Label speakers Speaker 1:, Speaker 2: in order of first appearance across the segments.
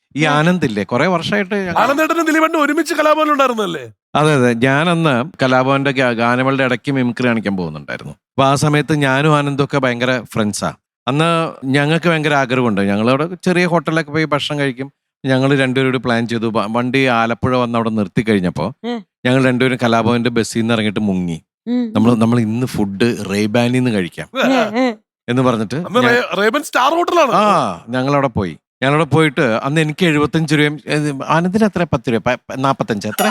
Speaker 1: ഈ ആനന്ദില്ലേ കുറെ വർഷമായിട്ട്
Speaker 2: ആനന്ദേട്ടനും ദിലീപേട്ടനും ഒരുമിച്ച് കലാഭവനിൽ ഉണ്ടായിരുന്നല്ലേ?
Speaker 1: അതെ അതെ, ഞാനന്ന് കലാഭവന്റെ ഗാനമേളയുടെ ഇടയ്ക്ക് മിമിക്രി കാണിക്കാൻ പോകുന്നുണ്ടായിരുന്നു. അപ്പൊ ആ സമയത്ത് ഞാനും ആനന്ദും ഒക്കെ ഭയങ്കര ഫ്രണ്ട്സാ. അന്ന് ഞങ്ങൾക്ക് ഭയങ്കര ആഗ്രഹമുണ്ട്. ഞങ്ങളവിടെ ചെറിയ ഹോട്ടലിലൊക്കെ പോയി ഭക്ഷണം കഴിക്കും. ഞങ്ങൾ രണ്ടുപേരോട് പ്ലാൻ ചെയ്തു. വണ്ടി ആലപ്പുഴ വന്ന് അവിടെ നിർത്തി കഴിഞ്ഞപ്പോൾ ഞങ്ങൾ രണ്ടുപേരും കലാഭവന്റെ ബസ്സിൽ നിന്ന് ഇറങ്ങിയിട്ട് മുങ്ങി. നമ്മൾ ഇന്ന് ഫുഡ് റേബാനിന്ന് കഴിക്കാം എന്ന് പറഞ്ഞിട്ട്
Speaker 2: റേബൻ സ്റ്റാർ ഹോട്ടലാണ്.
Speaker 1: ഞങ്ങളവിടെ പോയി. ഞങ്ങളവിടെ പോയിട്ട് അന്ന് എനിക്ക് 75 രൂപയും ആനന്ദിന് എത്ര 10 രൂപ 45 എത്ര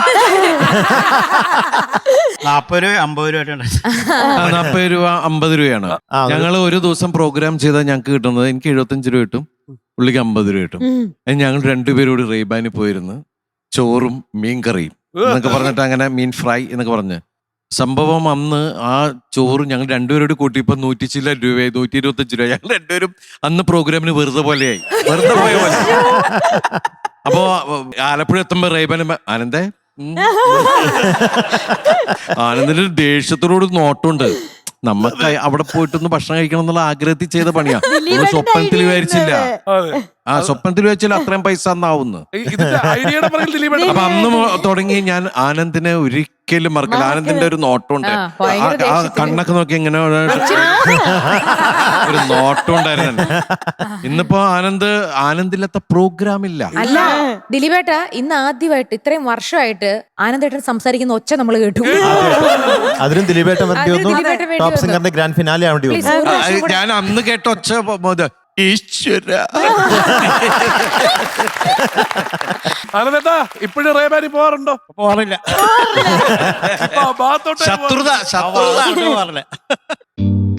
Speaker 3: 40 രൂപ 50 രൂപ
Speaker 1: 40 രൂപ 50 രൂപയാണ്. ഞങ്ങൾ ഒരു ദിവസം പ്രോഗ്രാം ചെയ്താൽ ഞങ്ങൾക്ക് കിട്ടുന്നത് എനിക്ക് 75 രൂപ കിട്ടും, പുള്ളിക്ക് 50 രൂപ കിട്ടും. ഞങ്ങൾ രണ്ടുപേരോട് റേബാനി പോയിരുന്ന് ചോറും മീൻ കറിയും എന്നൊക്കെ പറഞ്ഞിട്ട് അങ്ങനെ മീൻ ഫ്രൈ എന്നൊക്കെ പറഞ്ഞ് സംഭവം അന്ന് ആ ചോറ് ഞങ്ങൾ രണ്ടുപേരോട് കൂട്ടിയപ്പോ 100 ചില രൂപയായി, 125 രൂപ. ഞങ്ങൾ രണ്ടുപേരും അന്ന് പ്രോഗ്രാമിന് വെറുതെ പോലെയായി, വെറുതെ പോയ പോലെ. അപ്പോ ആലപ്പുഴ എത്തുമ്പോ റേബാൻ ആനന്ദേ ആനന്ദിന്റെ ദേഷ്യത്തോട് നോട്ടുണ്ട്. നമുക്ക് അവിടെ പോയിട്ടൊന്ന് ഭക്ഷണം കഴിക്കണം എന്നുള്ള ആഗ്രഹത്തിൽ ചെയ്ത പണിയാ. സ്വപ്നത്തിൽ വിചാരിച്ചില്ല, സ്വപ്നത്തിൽ വിചാരിച്ചില്ല അത്രയും പൈസ അന്നാവുന്നു. അപ്പൊ അന്ന് തുടങ്ങി ഞാൻ ആനന്ദിനെ ഒരിക്കലും മറക്കില്ല. ആനന്ദിന്റെ ഒരു നോട്ടമുണ്ട്, ആ കണ്ണൊക്കെ നോക്കി ഇങ്ങനെ ഒരു നോട്ടം ഉണ്ടായിരുന്നു. ഇന്നിപ്പോ ആനന്ദില്ലാത്ത പ്രോഗ്രാം ഇല്ല.
Speaker 4: അല്ല ദിലീപേട്ട, ഇന്ന് ആദ്യമായിട്ട് ഇത്രയും വർഷമായിട്ട് ആനന്ദേട്ടൻ സംസാരിക്കുന്ന ഒച്ച നമ്മൾ കേട്ടു.
Speaker 5: അതിനും ദിലീപേട്ടൻ ടോപ്പ് സിംഗറിന്റെ ഗ്രാൻഡ് ഫിനാലെ ആവേണ്ടി വന്നു.
Speaker 1: ഞാൻ അന്ന് കേട്ട ഒച്ച ഈശ്വര.
Speaker 2: ആനന്ദേട്ടാ ഇപ്പോഴും റേബാനി പോവാറുണ്ടോ?
Speaker 3: പോകാറില്ല.
Speaker 1: ശത്രുത
Speaker 3: പോകാറില്ല.